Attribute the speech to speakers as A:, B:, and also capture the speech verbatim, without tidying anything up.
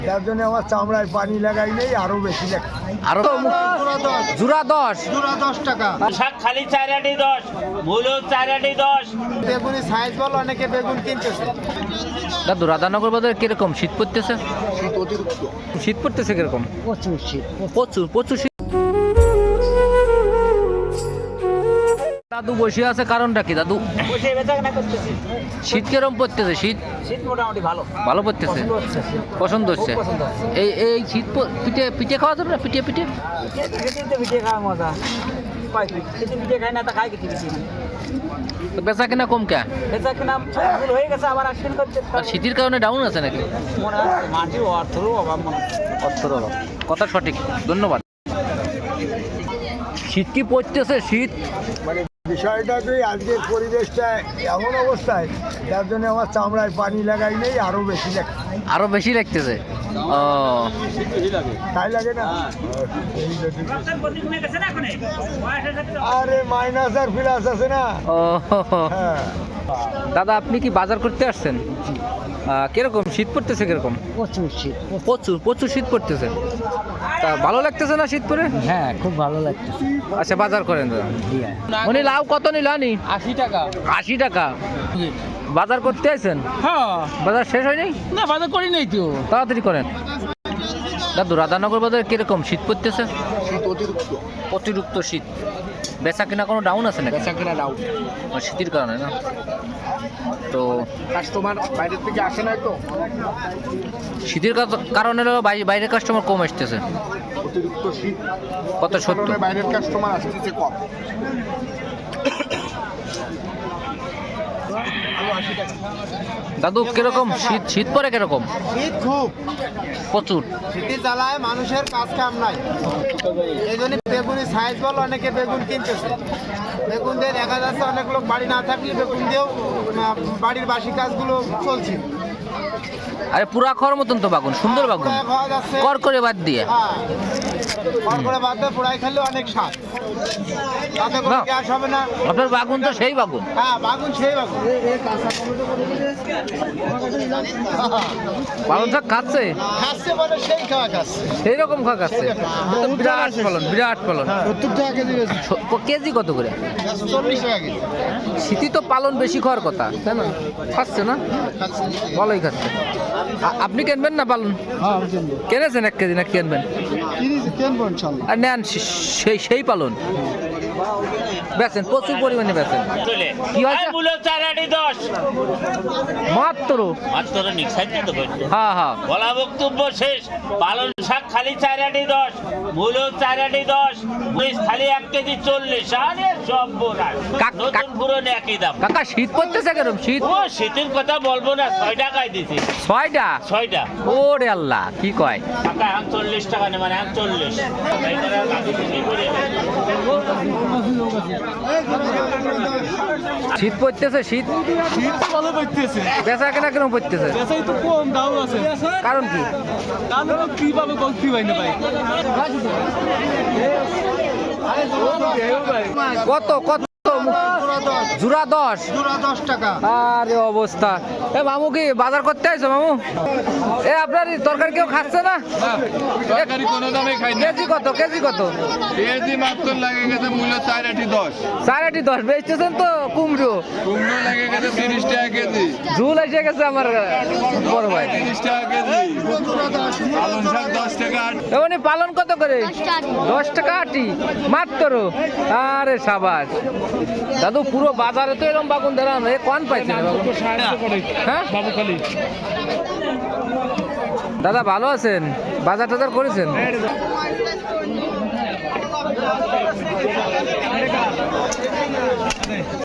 A: তার জন্য আমার চামড়ায় পানি লাগাই নেই, আরো বেশি লাগে।
B: আরো জোড়া দশ
A: জোড়া দশ টাকা।
C: শাক খালি চারাটি দশ, মূলো চারাটি দশ।
A: বেগুনি সাইজ বল, অনেকে বেগুন কিনতেছে।
B: দাদু রাধানগর বাজার কিরকম শীত পড়তেছে?
A: শীত অতিরিক্ত।
B: শীত পড়তেছে কিরকম?
A: প্রচুর শীত,
B: প্রচুর প্রচুর শীত। দাদু বসে আছে কারণটা কি দাদু? শীত কিরকম পড়তেছে? শীত
C: শীত মোটামুটি ভালো
B: ভালো পড়তেছে, পছন্দ হচ্ছে। এই এই শীত প- পিঠে পিঠে খাওয়া যাবে না? পিঠে পিঠে
C: পিঠে খাওয়া মজা পিঠে খাই না তা খাই কিছু কিছু
B: তো বেচা কিনা কম কে?
C: বেচা কিনা ভুল হয়ে গেছে, আবার আসবেন করতে
B: আর শীতের কারণে ডাউন আছে নাকি?
C: মনে হয় মাটির অর্থেরও অভাব মনে হয়।
B: অর্থের অভাব, কথা সঠিক, ধন্যবাদ। শীত কি পড়তেছে? শীত
A: মানে বিষয়টা কি, আজকের পরিবেশটা এমন অবস্থায়, যার জন্য আমার চামড়ায় পানি লাগাই নেই, আরো বেশি লাগে।
B: আরো বেশি লাগতেছে। ও
A: তাই লাগে না? আরে মাইনাস আর প্লাস আছে না।
B: ও
A: হ্যাঁ,
B: দাদা আপনি কি বাজার করতে আসছেন? আহ, কিরকম শীত পড়তেছে? কিরকম?
A: প্রচুর শীত।
B: প্রচুর প্রচুর শীত পড়তেছে। তা ভালো লাগতেছে না শীত পরে?
A: হ্যাঁ, খুব ভালো লাগছে।
B: আচ্ছা বাজার করেন দাদা। উনি লাউ কত নিল? আনি
C: আশি টাকা।
B: আশি টাকা। বাজার করতে আছেন?
C: হ্যাঁ,
B: বাজার শেষ হয়নি?
C: না বাজার করি নাই তো।
B: তাড়াতাড়ি করেন। দাদু রাধানগর বাজার কিরকম শীত পড়তেছে?
A: শীত অতিরিক্ত।
B: অতিরিক্ত শীত। বেচা কিনা কোনো ডাউন আছে নাকি?
A: বেচা কেনা ডাউন।
B: আর শীতের কারণে না? তো
A: কাস্টমার বাইরের থেকে আসে না তো।
B: শীতের কা- কারণে বাই- বাইরের কাস্টমার কম আসতেছে।
A: অতিরিক্ত শীত,
B: কত সত্য?
A: কারণে বাইরের কাস্টমার আসতেছে কম।
B: দাদু কিরকম শীত? শীত পরে কিরকম?
A: শীত খুব,
B: প্রচুর।
A: শীতের জ্বালায় মানুষের কাজ কাম নাই। এই জন্য বেগুনি সাইজ বল, অনেকে বেগুন কিনতেছে। বেগুন দিয়ে দেখা যাচ্ছে অনেক লোক বাড়ি না থাকলে বেগুন দিয়েও আহ, বাড়ির বাসি কাজগুলো চলছে।
B: আরে পুরা খাওয়ার মতন তো বাগুন, সুন্দর বাগুন,
A: পোড়ায় খাওয়া যাচ্ছে।
B: কর করে বাদ দিয়ে।
A: হ্যাঁ, কর করে বাদ দিয়ে পোড়াই খেলে অনেক স্বাদ, তাতে কোনো
B: না।
A: গ্যাস হবে না।
B: আপনার বাগুন তো সেই বাগুন।
A: হ্যাঁ, বাগুন সেই বাগুন।
B: পালন শাক খাচ্ছে,
A: খাচ্ছে বলে সেই খাওয়া খাচ্ছে।
B: সেই রকম খাওয়া খাচ্ছে। তো বিরাট ফলন, বিরাট ফলন।
A: সত্তর টাকা কেজি বেশি,
B: ছ- ক- কেজি কত করে?
A: চল্লিশ টাকা কেজি
B: শীতই তো পালন বেশি খাওয়ার কথা, তাই না? খাচ্ছে না?
A: খাচ্ছে।
B: ভালোই খাচ্ছে। আ- আপনি কিনবেন না পালন?
A: হ্যাঁ,
B: কিনেছেন এক কেজি না কিনবেন?
A: কিনবো ইনশাল্লাহ।
B: আর নেন সে- সেই সেই পালন বেচেন, প্রচুর পরিমাণে বেচেন। কি হয়েছে?
C: মূলো চারাটি দশ।
B: মাত্র।
C: মাত্র নিঃসারিত তো করছে।
B: হ্যাঁ হ্যাঁ।
C: বলা বক্তব্য শেষ। পালন শাক খালি চারাটি দশ, মূলো চারাটি দশ, মরিচ খালি এক কেজি চল্লিশ। আরে সব বোনাস,
B: কাক-
C: নতুন
B: কাক-
C: পুরনো একই দাম।
B: কাকা শীত পড়তেছে কেরম? শীত
C: ও শীতের কথা বলবো না, ছয় টাকায় দিছি।
B: ছয়টা?
C: ছয়টা
B: ওরে আল্লাহ, কি কয়?
C: টাকা এখন চল্লিশ টাকা নেই, মানে এখন চল্লিশ।
B: শীত পড়তেছে? শীত
D: শীত ভালো পড়তেছে,
B: বেচা কেনা কেন পড়তেছে?
D: বেচাই তো কম দাম আছে,
B: কারণ কি?
D: তাহলে তো কিভাবে গল্পি পাই না ভাই।
B: কত কত? জোড়া দশ?
A: জোড়া দশ টাকা।
B: আরে অবস্থা। এ মামু কি বাজার করতে আইছো মামু? এ আপনার এই তরকারি কেউ খাচ্ছে না?
D: তরকারি কোনো দামে খাই না,
B: কেজি কত? কেজি কত?
D: কেজি মাত্র লাগে গেছে মূল্য চার আটি দশ,
B: সাড়ে দশ বেচতেছেন তো কুমড়ো?
D: কুমড়ো লাগে গেছে তিরিশ টাকা কেজি,
B: ঝুল এসে গেছে আমার বড় ভাই।
D: তিরিশ টাকা কেজি, পালং শাক দশ টাকা আটি।
B: এমনি পালন কত করে? দশ টাকা আটি মাত্র। আরে সাবাস দাদু, পুরো বাজারে তো এরকম বাগুন ধরানো, এ কোন পাইছে না বাগুন? হ্যাঁ
D: বাবুখালি
B: দাদা ভালো আছেন? বাজার টাজার করেছেন?